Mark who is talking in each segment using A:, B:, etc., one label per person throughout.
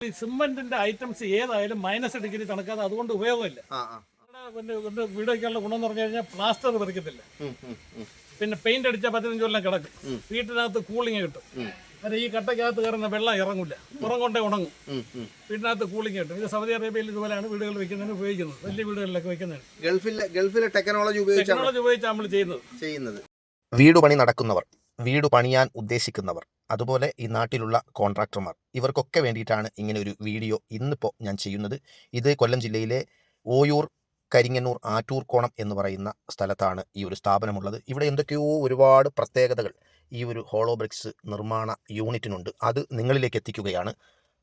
A: ഈ സിമെന്റിന്റെ ഐറ്റംസ് ഏതായാലും -डिग्री തണുക്കാതെ അതുകൊണ്ട് ഉപയോഗമില്ല. വീട് വയ്ക്കാനുള്ള ഗുണം എന്ന് പറഞ്ഞു കഴിഞ്ഞാൽ പ്ലാസ്റ്റർ പറിക്കത്തില്ല, പിന്നെ പെയിന്റ് അടിച്ചാൽ 15 കൊല്ലം കിടക്കും, വീട്ടിനകത്ത് കൂളിങ് കിട്ടും. അതെ, ഈ കട്ടയ്ക്കകത്ത് കയറുന്ന വെള്ളം ഇറങ്ങില്ല, പുറം കൊണ്ടേ ഉണങ്ങും, വീട്ടിനകത്ത് കൂളിങ് കിട്ടും. ഇത് സൗദി അറേബ്യയിൽ ഇതുപോലെയാണ് വീടുകൾ വെക്കുന്നതിന് ഉപയോഗിക്കുന്നത്, വലിയ വീടുകളിലൊക്കെ വെക്കുന്നതാണ്.
B: ഗൾഫിലെ ടെക്നോളജി ഉപയോഗിച്ചാണ്
A: നമ്മൾ ചെയ്യുന്നത്.
C: വീട് പണി നടക്കുന്നവർ, വീട് പണിയാൻ ഉദ്ദേശിക്കുന്നവർ, അതുപോലെ ഈ നാട്ടിലുള്ള കോൺട്രാക്ടർമാർ, ഇവർക്കൊക്കെ വേണ്ടിയിട്ടാണ് ഇങ്ങനെ ഒരു വീഡിയോ ഇന്നിപ്പോൾ ഞാൻ ചെയ്യുന്നത്. ഇത് കൊല്ലം ജില്ലയിലെ ഓയൂർ, കരിങ്ങന്നൂർ, ആറ്റൂർക്കോണം എന്ന് പറയുന്ന സ്ഥലത്താണ് ഈ ഒരു സ്ഥാപനമുള്ളത്. ഇവിടെ എന്തൊക്കെയോ ഒരുപാട് പ്രത്യേകതകൾ ഈ ഒരു ഹോളോ ബ്രിക്സ് നിർമ്മാണ യൂണിറ്റിനുണ്ട്. അത് നിങ്ങളിലേക്ക് എത്തിക്കുകയാണ്.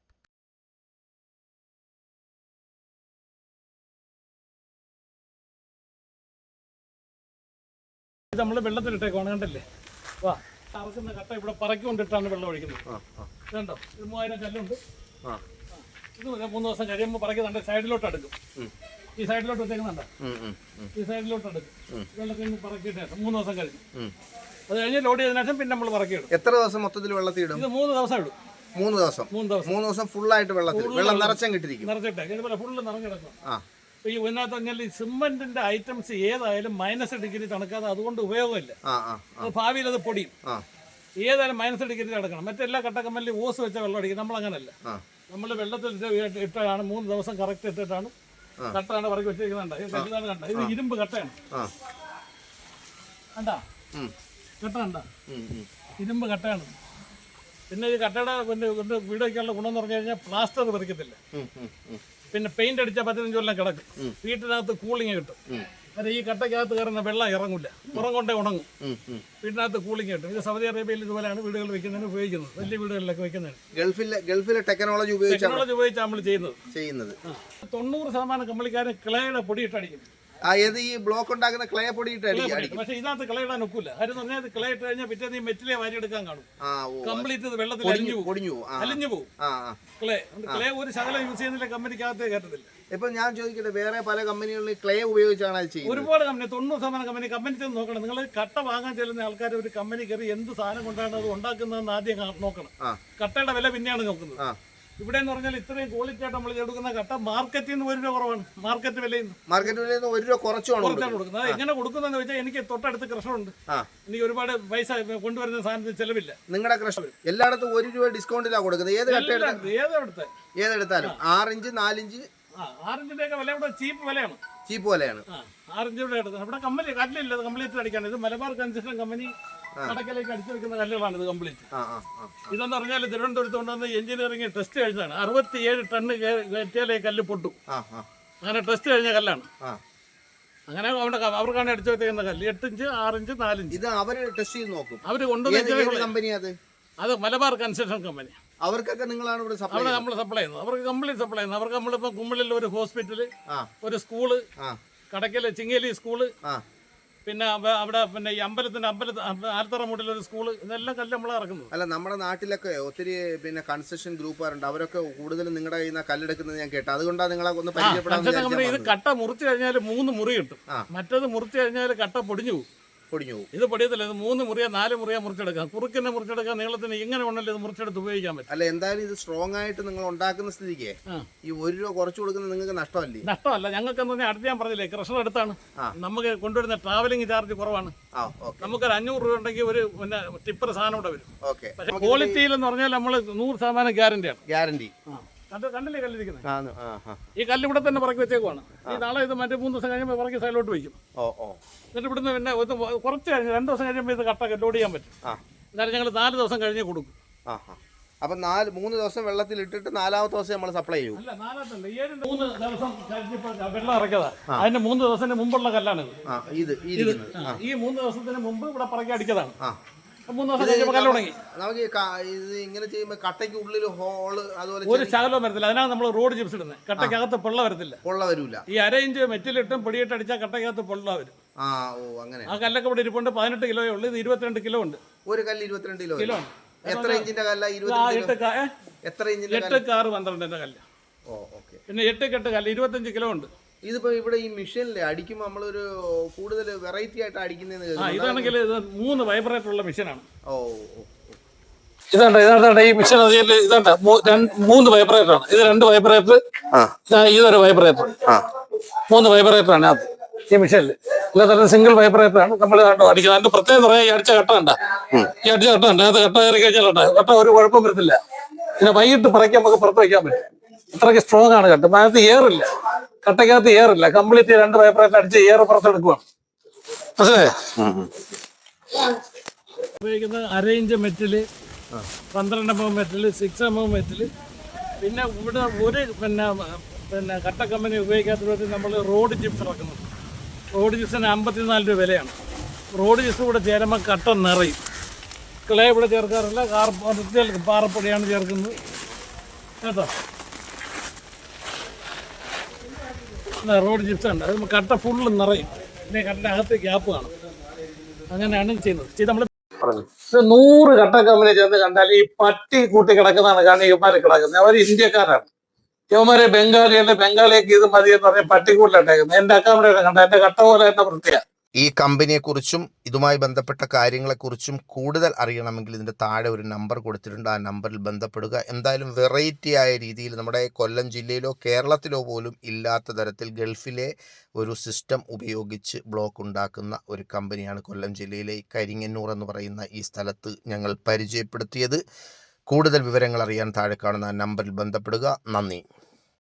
A: ഇത് നമ്മൾ വെള്ളത്തിലിട്ടേക്കാണ്, കണ്ടല്ലേ? വാ, അറക്കുന്ന കട്ട ഇവിടെ പറക്കൊണ്ടിട്ടാണ് വെള്ളം ഒഴിക്കുന്നത്. കണ്ടോ, ഇത് 3000 കല്ലുണ്ട്. ഇത് 3 ദിവസം കഴിയുമ്പോൾ പറക്കുന്നുണ്ട്, സൈഡിലോട്ട് എടുക്കും. ഈ സൈഡിലോട്ട് വെച്ചേക്കുന്നുണ്ടോ? ഈ സൈഡിലോട്ട് എടുക്കും. വെള്ളത്തിൽ പറക്കിയിട്ട് 3 ദിവസം കഴിഞ്ഞു. അത് കഴിഞ്ഞ് ലോഡ് ചെയ്തതിനു ശേഷം പിന്നെ നമ്മൾ പറക്കിയിടും.
B: എത്ര ദിവസം മൊത്തത്തിൽ വെള്ളത്തിൽ ഇടും?
A: ഇത് 3 ദിവസം ഇടും.
B: 3 ദിവസം ഫുള്ളായിട്ട് വെള്ളം നിറച്ചും കിട്ടിയിരിക്കും.
A: നിറച്ചിട്ടേ ഇതുപോലെ ഫുള്ള് നിറഞ്ഞെടുക്കും. ഈ ഇതിനകത്ത് പറഞ്ഞാൽ ഈ സിമെന്റിന്റെ ഐറ്റംസ് ഏതായാലും -डिग्री തണുക്കാതെ അതുകൊണ്ട് ഉപയോഗമില്ല. അത് ഭാവിയിൽ അത് പൊടിയും. ഏതായാലും -डिग्री തണുക്കണം. മറ്റെല്ലാ കട്ടക്കമ്മലിൽ ഓസ് വെച്ച വെള്ളം അടിക്കും. നമ്മൾ അങ്ങനല്ല, നമ്മൾ വെള്ളത്തിൽ ഇട്ടാണ് 3 ദിവസം കറക്റ്റ് ഇട്ടിട്ടാണ് കട്ടയാണ് പറക്കി വെച്ചിരിക്കുന്നുണ്ട്. കണ്ട, ഇത് ഇരുമ്പ് കട്ടയാണ്. കണ്ടാ കട്ട കണ്ട, ഇരുമ്പ് കട്ടയാണ്. പിന്നെ ഈ കട്ടയുടെ വീട് വയ്ക്കാനുള്ള ഗുണം എന്ന് പറഞ്ഞു കഴിഞ്ഞാൽ പ്ലാസ്റ്റർ പറിക്കത്തില്ല, പിന്നെ പെയിന്റ് അടിച്ചാൽ 15 കൊല്ലം കിടക്കും, വീട്ടിനകത്ത് കൂളിങ് കിട്ടും. അതെ, ഈ കട്ടയ്ക്കകത്ത് കയറുന്ന വെള്ളം ഇറങ്ങില്ല, പുറം കൊണ്ടേ ഉണങ്ങും, വീട്ടിനകത്ത് കൂളിങ് കിട്ടും. ഇത് സൗദി അറേബ്യയിൽ ഇതുപോലെയാണ് വീടുകൾ വെക്കുന്നതിന് ഉപയോഗിക്കുന്നത്, വലിയ വീടുകളിലൊക്കെ വെക്കുന്നതാണ്.
B: ഗൾഫിലെ ടെക്നോളജി ഉപയോഗിച്ചാണ്
A: നമ്മൾ ചെയ്യുന്നത്. 90% കമ്പനിക്കാരും ക്ലേയുടെ പൊടിയിട്ടടിക്കും.
B: ഈ ബ്ലോക്ക് ഉണ്ടാക്കുന്ന ക്ലേ പൊടിയിട്ട് അടിക്കും.
A: പക്ഷെ ഇതിനകത്ത് ക്ലേ ഇടാൻ ഒക്കില്ല. ആരും പറഞ്ഞാൽ ക്ലേ ഇട്ട് കഴിഞ്ഞാൽ പിറ്റേ മെറ്റിലെ വാരി എടുക്കാൻ കാണും. കംപ്ലീറ്റ് വെള്ളത്തിൽ അലിഞ്ഞു പോകും. ക്ലേ ഒരു ശകലം യൂസ് ചെയ്യുന്നില്ല, കമ്പനിക്കകത്ത് കയറ്റത്തില്ല.
B: ഇപ്പൊ ഞാൻ ചോദിക്കട്ടെ, വേറെ പല കമ്പനികളിൽ ക്ലേ ഉപയോഗിച്ചാണ് അത് ചെയ്യുന്നത്.
A: ഒരുപാട് കമ്പനി, 90% കമ്പനി ചെന്ന് നോക്കണം. നിങ്ങൾ കട്ട വാങ്ങാൻ ചെല്ലുന്ന ആൾക്കാർ ഒരു കമ്പനി കയറി എന്ത് സാധനം കൊണ്ടാണ് അത് ഉണ്ടാക്കുന്നതെന്ന് ആദ്യം നോക്കണം. കട്ടയുടെ വില പിന്നെയാണ് നോക്കുന്നത്. ഇവിടെ എന്ന് പറഞ്ഞാൽ ഇത്രയും ക്വാളിറ്റി ആയിട്ട് നമ്മൾ എടുക്കുന്ന കട്ട മാർക്കറ്റിൽ നിന്ന് 1 രൂപ കുറവാണ്. മാർക്കറ്റ് വിലയിൽ നിന്ന്
B: 1 രൂപ കുറച്ചാണ്
A: കൊടുക്കുന്നത്. എങ്ങനെ കൊടുക്കുന്നതെന്ന് വെച്ചാൽ എനിക്ക് തൊട്ടടുത്ത് കൃഷമുണ്ട്, എനിക്ക് ഒരുപാട് പൈസ കൊണ്ടുവരുന്ന സാധനത്തിന് ചെലവില്ല.
B: നിങ്ങളുടെ കൃഷി എല്ലായിടത്തും 1 രൂപ ഡിസ്കൗണ്ടിലാണ് കൊടുക്കുന്നത്. ഏതെടുത്താലും 6 ഇഞ്ച് 4 ഇഞ്ച്
A: 6 ഇഞ്ചിന്റെ ഒക്കെ വില ഇവിടെ ചീപ്പ് വിലയാണ്. 6 ഇഞ്ച് ഇവിടെ എടുക്കുന്നത്. ഇവിടെ കമ്പനി കല്ലില്ല, കംപ്ലീറ്റ് അടിക്കാണ്. ഇത് മലബാർ കൺസ്ട്രക്ഷൻ കമ്പനി കടക്കലേക്ക് അടിച്ചു വെക്കുന്ന കല്ലുകളാണ് ഇത് കംപ്ലീറ്റ്. ഇതെന്ന് പറഞ്ഞാൽ തിരുവനന്തപുരത്ത് കൊണ്ടുവന്ന് എഞ്ചിനീയറിംഗ് ടെസ്റ്റ് കഴിഞ്ഞതാണ്. 67 ടണ്ണ് കയറ്റിയാലേ കല്ല് പൊട്ടും. അങ്ങനെ ടെസ്റ്റ് കഴിഞ്ഞ കല്ലാണ്. അങ്ങനെ അവർക്കാണ് അടിച്ചു വെക്കുന്ന കല്ല് 8 ഇഞ്ച് 6 ഇഞ്ച് 4 ഇഞ്ച്.
B: ഇത് അവര് ടെസ്റ്റ് ചെയ്ത് നോക്കും.
A: അവര് കൊണ്ടുവന്ന
B: കമ്പനി
A: അത് മലബാർ കൺസ്ട്രക്ഷൻ കമ്പനി.
B: അവർക്കൊക്കെ നിങ്ങളാണ് ഇവിടെ
A: നമ്മൾ സപ്ലൈ ചെയ്യുന്നത്. അവർക്ക് കംപ്ലീറ്റ് സപ്ലൈ ചെയ്യുന്നത്. അവർക്ക് നമ്മളിപ്പോൾ കുമ്മിളിൽ ഒരു ഹോസ്പിറ്റല്, ഒരു സ്കൂള്, കടക്കല് ചിങ്ങേലി സ്കൂള്, പിന്നെ അവിടെ പിന്നെ ഈ ആലത്തറ മൂട്ടിലൊരു സ്കൂള്, ഇതെല്ലാം കല്ല് നമ്മൾ ഇറക്കുന്നത്.
B: അല്ല, നമ്മുടെ നാട്ടിലൊക്കെ ഒത്തിരി പിന്നെ കൺസ്ട്രക്ഷൻ ഗ്രൂപ്പുകാരുണ്ട്. അവരൊക്കെ കൂടുതലും നിങ്ങളുടെ കയ്യിൽ നിന്ന് കല്ലെടുക്കുന്നത് ഞാൻ കേട്ടു. അതുകൊണ്ടാണ് നിങ്ങളെ ഒന്ന് പരിചയപ്പെടാൻ.
A: ഇത് കട്ട മുറിച്ച് കഴിഞ്ഞാൽ 3 മുറി കിട്ടും. മറ്റേത് മുറിച്ച് കഴിഞ്ഞാൽ കട്ട പൊടിഞ്ഞു പോകും. ഇത് പൊടിയത്തില്ല. ഇത് 3 മുറിയോ 4 മുറിയോ മുറിച്ചെടുക്കാം. കുറുക്കിനെ മുറിച്ചെടുക്കാം, നീളത്തിന് ഇങ്ങനെ ഉണ്ടല്ലോ ഇത് മുറിച്ചെടുത്ത് ഉപയോഗിക്കാൻ പറ്റും.
B: അല്ല, എന്തായാലും ഇത് സ്ട്രോങ് ആയിട്ട് നിങ്ങൾ ഉണ്ടാക്കുന്ന സ്ഥിതിക്ക് ഈ 1 രൂപ കുറച്ച് കൊടുക്കുന്നത് നിങ്ങൾക്ക് നഷ്ടമല്ലേ?
A: നഷ്ടമല്ല. ഞങ്ങൾക്ക് എന്ന് പറഞ്ഞാൽ അടുത്ത് ഞാൻ പറഞ്ഞില്ലേ, കൃഷ്ണ അടുത്താണ്. നമുക്ക് കൊണ്ടുവരുന്ന ട്രാവലിംഗ് ചാർജ് കുറവാണ്. നമുക്കൊരു 500 രൂപ ഉണ്ടെങ്കിൽ ഒരു പിന്നെ ടിപ്പർ സാധനം ഇവിടെ വരും. പക്ഷേ ക്വാളിറ്റിയിൽ എന്ന് പറഞ്ഞാൽ നമ്മൾ 100% ഗ്യാരണ്ടി. കണ്ടില്ലേ കല്ലിരിക്കുന്നത്? ഈ കല്ല് ഇവിടെ തന്നെ പറക്കി വെച്ചേക്കുവാണ്. ഈ നാളെ ഇത് മറ്റേ 3 ദിവസം കഴിയുമ്പോൾ പറക്കി സൈഡിലോട്ട് വയ്ക്കും. എന്നിട്ട് ഇവിടുന്ന് പിന്നെ കുറച്ച് കഴിഞ്ഞ് 2 ദിവസം കഴിയുമ്പോൾ ഇത് കട്ട ലോഡ് ചെയ്യാൻ പറ്റും. എന്നാലും ഞങ്ങൾ 4 ദിവസം കഴിഞ്ഞ് കൊടുക്കും.
B: അപ്പൊ 3 ദിവസം വെള്ളത്തിൽ ഇട്ടിട്ട് 4ാമത്തെ ദിവസം നമ്മൾ സപ്ലൈ ചെയ്യും.
A: അല്ല, 4 ദിവസം കഴിഞ്ഞപ്പോൾ വെള്ളം ഇറക്കിയതാ. അതിന്റെ 3 ദിവസത്തിന് മുമ്പുള്ള കല്ലാണ് ഇത്. ഈ 3 ദിവസത്തിന് മുമ്പ് ഇവിടെ പറക്കി അടിച്ചതാണ്. 3 ദിവസം കഴിഞ്ഞപ്പോൾ കല്ല് തുടങ്ങി.
B: നമുക്ക് ഇത് ഇങ്ങനെ ചെയ്യുമ്പോൾ കട്ടയ്ക്ക് ഉള്ളിൽ ഹോള് അതുപോലെ
A: ഒരു ശകലവും വരത്തില്ല. അതിനാണ് നമ്മൾ റോഡ് ചിപ്സ് ഇടുന്നത്. കട്ടയ്ക്കകത്ത് പൊള്ള വരത്തില്ല. ഈ 1/2 ഇഞ്ച് മെറ്റിലിട്ടും പൊടിയിട്ട് അടിച്ചാൽ കട്ടയ്ക്കകത്ത് പൊള്ള വരും.
B: അങ്ങനെ
A: ആ കല്ലൊക്കെ ഇവിടെ ഇരിപ്പുണ്ട്. 18 കിലോയേ ഉള്ളൂ. ഇത് 22 കിലോ ഉണ്ട്.
B: ഒരു കല്ല് 22 കിലോ. എത്ര ഇഞ്ചിന്റെ കല്ല?
A: 8 കാറ് 12ന്റെ കല്ല്. പിന്നെ 8 കെട്ട് കല്ല് 25 കിലോ ഉണ്ട്.
B: ഇതിപ്പോ ഇവിടെ ഈ മെഷീനിലെ അടിക്കുമ്പോൾ നമ്മളൊരു കൂടുതൽ വെറൈറ്റി ആയിട്ട് അടിക്കുന്നതെന്ന്
A: ഇതാണെങ്കിൽ ഇത് 3 വൈബ്രേറ്റർ ഉള്ള മെഷീനാണ്. ഇതാണ്ട ഈ മിഷൻ അതിൽ ഇതാണ്ട 3 വൈബ്രേറ്റർ ആണ്. ഇത് 2 വൈബ്രേറ്റർ, ഇതൊരു വൈബ്രേറ്റർ, 3 വൈബ്രേറ്റർ ആണ് അത് ഈ മിഷനിൽ. ഇല്ലാത്ത സിംഗിൾ വൈബ്രേറ്റർ ആണ് നമ്മൾ അടിക്കുന്നത്. അതിന്റെ പ്രത്യേകം പറയാം, ഈ അടിച്ച കട്ട ഉണ്ട്, ഈ അടിച്ച കട്ട ഉണ്ട്. അത് കട്ട കയറി കഴിഞ്ഞാലുണ്ട് കട്ട ഒരു കുഴപ്പം വരുന്നില്ല. പിന്നെ വൈകിട്ട് പറയ്ക്കാൻ നമുക്ക് പുറത്ത് വയ്ക്കാൻ പറ്റും. അത്രയ്ക്ക് സ്ട്രോങ് ആണ് കട്ട. അതിനകത്ത് എയറില്ല, കട്ടയ്ക്കകത്ത് എയറില്ല. കംപ്ലീറ്റ് 2 വൈബ്രേറ്റർ അടിച്ച് എയർ പുറത്തെടുക്കുവാണ്. മനസ്സിലായോ? ഉപയോഗിക്കുന്നത് 1/2 inch metal, 12 mm metal, 6 mm metal. പിന്നെ ഇവിടെ ഒരു പിന്നെ കട്ട കമ്പനി ഉപയോഗിക്കാത്തത് നമ്മൾ റോഡ് ചിപ്സ് ഇറക്കുന്നത്. റോഡ് ചിപ്സിന് 54 രൂപ വിലയാണ്. റോഡ് ചിപ്സ് കൂടെ ചേരുമ്പോൾ കട്ട നിറയും. ക്ലേ ഇവിടെ ചേർക്കാറില്ല, പാറപ്പൊടിയാണ് ചേർക്കുന്നത് കേട്ടോ. റോഡ് ചിപ്സ് ഉണ്ട്, അത് കട്ട ഫുള്ള് നിറയും. പിന്നെ കട്ടൻ്റെ അകത്ത് ഗ്യാപ്പ് കാണും. അങ്ങനെയാണ് ചെയ്യുന്നത്. നമ്മൾ 100 കട്ട കമ്പനി ചേർന്ന് കണ്ടാൽ ഈ പട്ടി കൂട്ടി കിടക്കുന്നതാണ്. കാരണം ഇവന്മാരെ കിടക്കുന്നത് അവർ ഇന്ത്യക്കാരാണ്. ഇവന്മാരെ ബംഗാളിയൊക്കെ ഇത് മതി എന്ന് പറഞ്ഞാൽ പട്ടിക്കൂട്ടിലിട്ടേക്കുന്നത്. എന്റെ അക്കാമറ കണ്ട എന്റെ കട്ട പോലെ തന്നെ വൃത്തിയാണ്.
C: ഈ കമ്പനിയെക്കുറിച്ചും ഇതുമായി ബന്ധപ്പെട്ട കാര്യങ്ങളെക്കുറിച്ചും കൂടുതൽ അറിയണമെങ്കിൽ ഇതിൻ്റെ താഴെ ഒരു നമ്പർ കൊടുത്തിട്ടുണ്ട്. ആ നമ്പറിൽ ബന്ധപ്പെടുക. എന്തായാലും വെറൈറ്റി ആയ രീതിയിൽ നമ്മുടെ കൊല്ലം ജില്ലയിലോ കേരളത്തിലോ പോലും ഇല്ലാത്ത തരത്തിൽ ഗൾഫിലെ ഒരു സിസ്റ്റം ഉപയോഗിച്ച് ബ്ലോക്ക് ഉണ്ടാക്കുന്ന ഒരു കമ്പനിയാണ് കൊല്ലം ജില്ലയിലെ കരിങ്ങന്നൂർ എന്ന് പറയുന്ന ഈ സ്ഥലത്ത് ഞങ്ങൾ പരിചയപ്പെടുത്തിയത്. കൂടുതൽ വിവരങ്ങൾ അറിയാൻ താഴെ കാണുന്ന നമ്പറിൽ ബന്ധപ്പെടുക. നന്ദി.